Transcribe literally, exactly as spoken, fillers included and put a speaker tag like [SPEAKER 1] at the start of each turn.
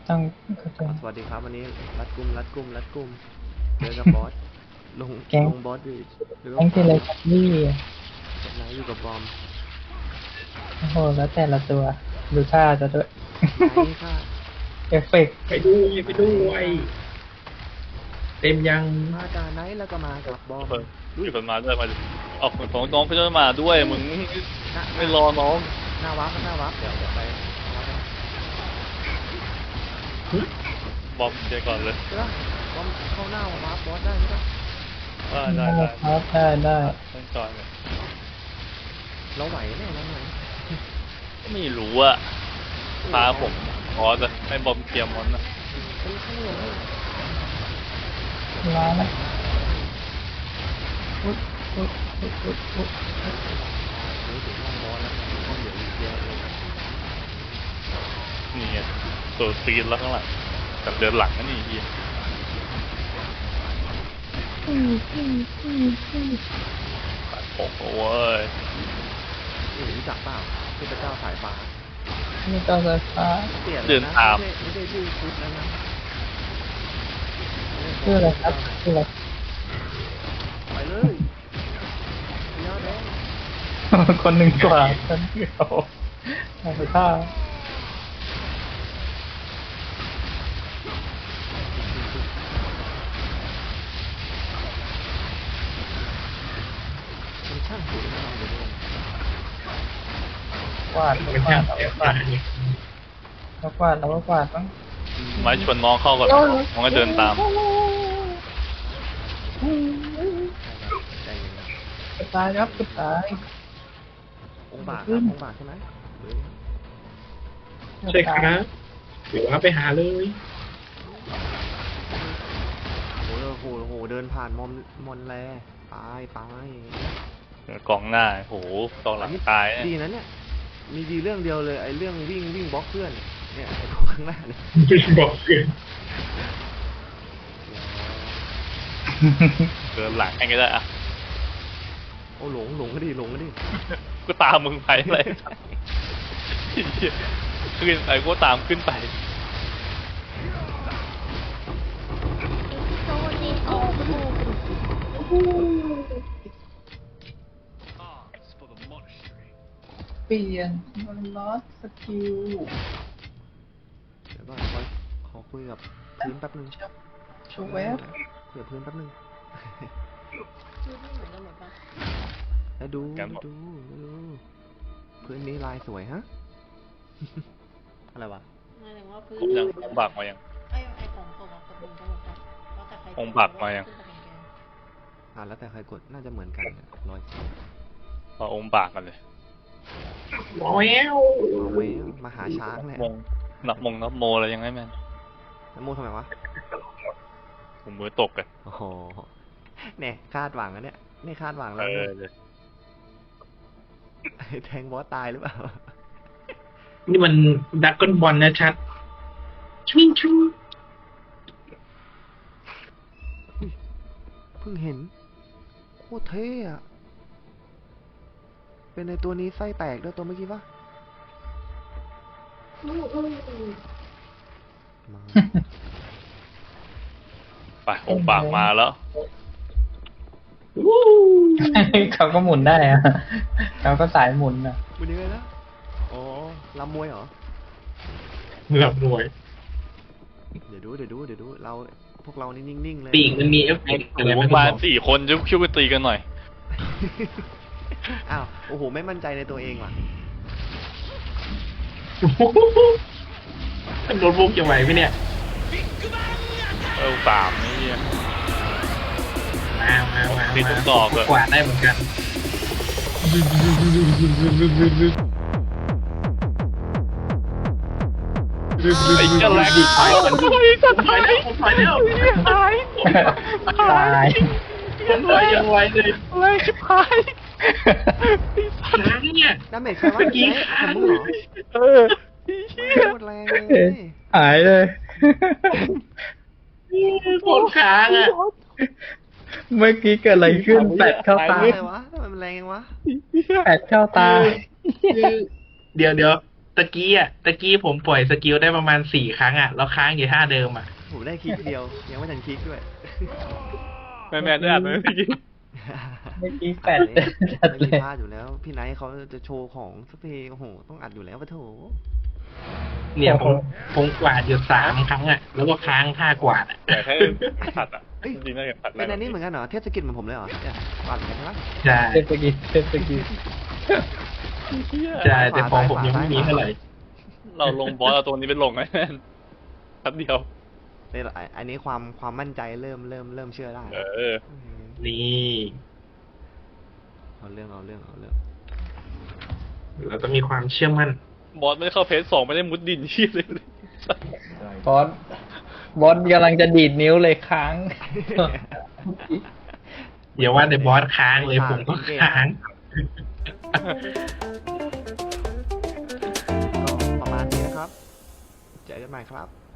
[SPEAKER 1] ต้อง
[SPEAKER 2] สวัสดีครับวันนี้รัดกุมรัดกุมรัดกุมเจอกับบอสลงลงบอสดิหรือว่า
[SPEAKER 1] แก๊งเทเลทับบี้
[SPEAKER 2] นายอยู่กับบอม
[SPEAKER 1] โอ้โหแล้วแต่ละตัวดูท่าจะด้วย
[SPEAKER 2] ไหนค่ะ
[SPEAKER 1] เอฟเฟกต์
[SPEAKER 3] ไปด้วยไปด้วยเต็มยัง
[SPEAKER 2] มาจากไหนแล้วก็มากับบอม
[SPEAKER 4] มีคนมาด้วยมาออกของน้องก็จะมาด้วยมึงไม่รอน้อง
[SPEAKER 2] หน้าวับหน้าวับเดี๋ยวเดี๋ยวไป
[SPEAKER 4] บอมเจก่อนเลย
[SPEAKER 2] ใช่ปะบอมเข้าหน้าวับบอสได้ใช่ปะ
[SPEAKER 4] ได้ได้ได้
[SPEAKER 1] ครับได้ได้
[SPEAKER 4] ต้องจอยเลย
[SPEAKER 2] เราไหวแน่เราไหว
[SPEAKER 4] ไม่รู้อะพาผมขอจะให้บอมเกียร์มอนนะ
[SPEAKER 2] เป็นข้างหลังเลย
[SPEAKER 1] ร้านนะอุ๊ยอุ๊ยอุ๊ยอุ๊ยอุ๊ย
[SPEAKER 2] เฮ้ยถึงห้องบอสแล้วห้องเดี๋ยวอีกเดียวเลย
[SPEAKER 4] นี่ไงตัวซีนแล้วข้างหลังกับเดินหลังนั่นนี่เฮียตัดผมโอ้ย
[SPEAKER 2] นี่รู้จักเปล่าเทพเจ้าสายฟ้า
[SPEAKER 1] นี่ก็จะฟ้า
[SPEAKER 2] เปลี่ยนเลยนะไม่ใช่ไม่ใช่ชื่อชุดแล้วนะ
[SPEAKER 1] ชื่ออะไรครับชื่ออะไร
[SPEAKER 2] ไปเลยยอดแดง
[SPEAKER 1] คนหนึ่งกว่าคนเดียวเอาไปท่า
[SPEAKER 2] มันช่างสวยงามเลย
[SPEAKER 1] กวาด
[SPEAKER 3] เป็น
[SPEAKER 1] ก
[SPEAKER 3] ช่าว
[SPEAKER 1] าง ด
[SPEAKER 3] เสีย
[SPEAKER 1] ก
[SPEAKER 3] ตาว
[SPEAKER 1] าดแล้วกวาดแล้วก็กวาดบ้าง
[SPEAKER 4] ไม้ชวนน้องเข้าก่อนมันก็เดินตาม
[SPEAKER 2] ใจเย็นนะ
[SPEAKER 1] กระตายครับกระตาย
[SPEAKER 2] องค์บากครับองค์บากใช่ไหม
[SPEAKER 3] ใช่ครับหรือว่าไปหาเลย
[SPEAKER 2] โอ้โหโอ้โหเดินผ่านมอมมอนแลตายตาย
[SPEAKER 4] กองหน้าโหกองหลังตาย
[SPEAKER 2] ดีนะเนี่ยมีดีเรื่องเดียวเลยไอ้เรื่องวิ่งวิ่งบล็อกเพื่อนเนี่ยไอ้ข้างหน้าเนี่ย
[SPEAKER 3] บอกเกิน
[SPEAKER 4] เดินหลังให้ก็ได้อะ
[SPEAKER 2] โอ้หลงหลงก็ดีหลงก็ดี
[SPEAKER 4] ก็ตามมึงไปเลยขึ้นไปก็ตามขึ้นไป
[SPEAKER 1] เปลี่ยนมันลอสสกิล
[SPEAKER 2] เดี๋ยวก่อนขอขอคุยกับพื้นแป๊บนึง
[SPEAKER 1] โชว์แวบ
[SPEAKER 2] คุยกับพื้นแป๊บนึง
[SPEAKER 5] ชื่อไม่เหมือนกันหมดปะ
[SPEAKER 2] แล้วดูดูดูพื้นนี้ลายสวยฮะ อะไรวะ
[SPEAKER 5] หมายถึงว่าพื้น
[SPEAKER 4] ผมยังผมบักมายัง
[SPEAKER 5] ไอ้ไอ้ของส่งอะเหมือนกันหมดปะแล้วแต่ใคร
[SPEAKER 4] องค์บักมายัง
[SPEAKER 5] ขึ้นไปเป็นแกน
[SPEAKER 2] อ่าแล้วแต่ใครกดน่าจะเหมือนกันเนี่ยรอยสี
[SPEAKER 4] พอองค์บากกันเลย
[SPEAKER 3] ว้าว
[SPEAKER 2] เอาไว้มาหาช้างแหละ
[SPEAKER 4] มงนับมงนับโมอะไรยังไงแม่น
[SPEAKER 2] แล้วโมทำไมวะ
[SPEAKER 4] ผมมือตกกัน
[SPEAKER 2] โอ้โหเนี่ยคาดหวังอะเนี่ยนี่คาดหวัง
[SPEAKER 4] เอ
[SPEAKER 2] แล้ว
[SPEAKER 4] อเลย
[SPEAKER 2] แทงบอสตายหรือเปล่า
[SPEAKER 3] นี่มันดักก้นบอลนะชัดชิงชู
[SPEAKER 2] เพิ่งเห็นโคตรเท่อะเป็นในตัวนี้ไส้แตกด้วยตัวเมื่อกี้ปะมา
[SPEAKER 4] ไปองค์บากมาแล้ว
[SPEAKER 3] วู้
[SPEAKER 1] เขาก็หมุนได้อะเขาก็สายหมุนอะ
[SPEAKER 2] เป็นยังไงนะอ๋อลำมวยเหรอ
[SPEAKER 3] หลับหน่วย
[SPEAKER 2] เดี๋ยวดูเดี๋ยวดูเดี๋ยวดูเราพวกเรานี่นิ่งๆเลย
[SPEAKER 3] ปีกมันมีเอฟเฟกต์อะไร
[SPEAKER 4] โอ้
[SPEAKER 3] ไม่
[SPEAKER 4] โหมา
[SPEAKER 3] บอก
[SPEAKER 4] สี่คนจะคิวกันตีกันหน่อย
[SPEAKER 2] อ้าวโอ้โหไม่มั่นใจในตัวเองว่ะ
[SPEAKER 3] ท่านโดนบุกจะไหวไหมเนี่ย
[SPEAKER 4] เออสามนี่
[SPEAKER 3] มามามา
[SPEAKER 4] ติดทุกดอกเลย
[SPEAKER 3] กวาดได้เหมือนกันไอ้เจ้าแรกถอยก่อนถอยแล้วถอยแล้ว
[SPEAKER 4] หาย
[SPEAKER 1] ตาย
[SPEAKER 3] ผมถอยยังไวเลย
[SPEAKER 4] แรงชิบหาย
[SPEAKER 3] ค้างเนี่ย
[SPEAKER 2] ดาเมจใครวะ
[SPEAKER 3] เมื่อกี้
[SPEAKER 2] ข
[SPEAKER 3] ค้า
[SPEAKER 2] อง งมึงเหรอ
[SPEAKER 4] เออ
[SPEAKER 2] โคตรแรงเลย
[SPEAKER 1] หายเลย
[SPEAKER 3] โคตรค้างอ่ะ
[SPEAKER 1] เมื่อกี้เกิดอะไรขึ้นแปดเข้าตา
[SPEAKER 2] อะไรวะทำไมมันแรงยังวะ
[SPEAKER 1] แปดเข้าตา
[SPEAKER 3] คือเดี๋ยวเดี๋ยวตะกี้อ่ะตะกี้ผมปล่อยสกิลได้ประมาณสี่ครั้งอ่ะแล้วค้างอยู่ท่าเดิมอ่ะ
[SPEAKER 2] ผมได้คลิกเดียว ยังไม่ทันคลิกด้วย
[SPEAKER 4] แมนแมนได้อ่านไหมเมื่อกี้
[SPEAKER 1] เมื่อกี้แปด
[SPEAKER 2] ไม่
[SPEAKER 1] จัดเล
[SPEAKER 2] มี
[SPEAKER 1] ย
[SPEAKER 2] พลาดอยู่แล้ว พี่ไนท์เขาจะโชว์ของสักเพลงโอ้โหต้องอัดอยู่แล้วปะโถ
[SPEAKER 3] เนี่ยผมผมกวาดอยู่สามครั้งอ่ะแล้วก็ค้างท่ากวาดอ่ะ
[SPEAKER 4] อยากให้ผัดอ่ะ
[SPEAKER 2] เอ้ย
[SPEAKER 4] จริงๆน่าจะผัด
[SPEAKER 2] เป็นอันนี้เหมือนกันเหรอเทศกิจเหมือนผมเลยเหรอเนี่ยปัดเหมือนกันใช่ไหม
[SPEAKER 3] ใช่
[SPEAKER 1] เทปกีเทปกี
[SPEAKER 3] ใช่แต่ของผมยังไม่มีเท่าไหร่
[SPEAKER 4] เราลงบอสเอาตัวนี้ไปลงไงแม่นแป๊บเดียว
[SPEAKER 2] เนี่ยอันนี้ความความมั่นใจเริ่มเริ่มเริ่มเชื่อได้
[SPEAKER 4] เออ
[SPEAKER 2] ม
[SPEAKER 3] นี่
[SPEAKER 2] เอาเรื่องเอาเรื่องเอาเรื่อง
[SPEAKER 3] เราต้องมีความเชื่อมั่น
[SPEAKER 4] บอสไม่ได้เข้าเพจสองไม่ได้มุดดินที่เลย
[SPEAKER 1] บอสบอสกำลังจะดีดนิ้วเลยค้าง
[SPEAKER 3] อย่าว่าแต่บอสค้างเลยผมก็ค้าง
[SPEAKER 2] ก็ประมาณนี้นะครับ เจอกันใหม่ครับ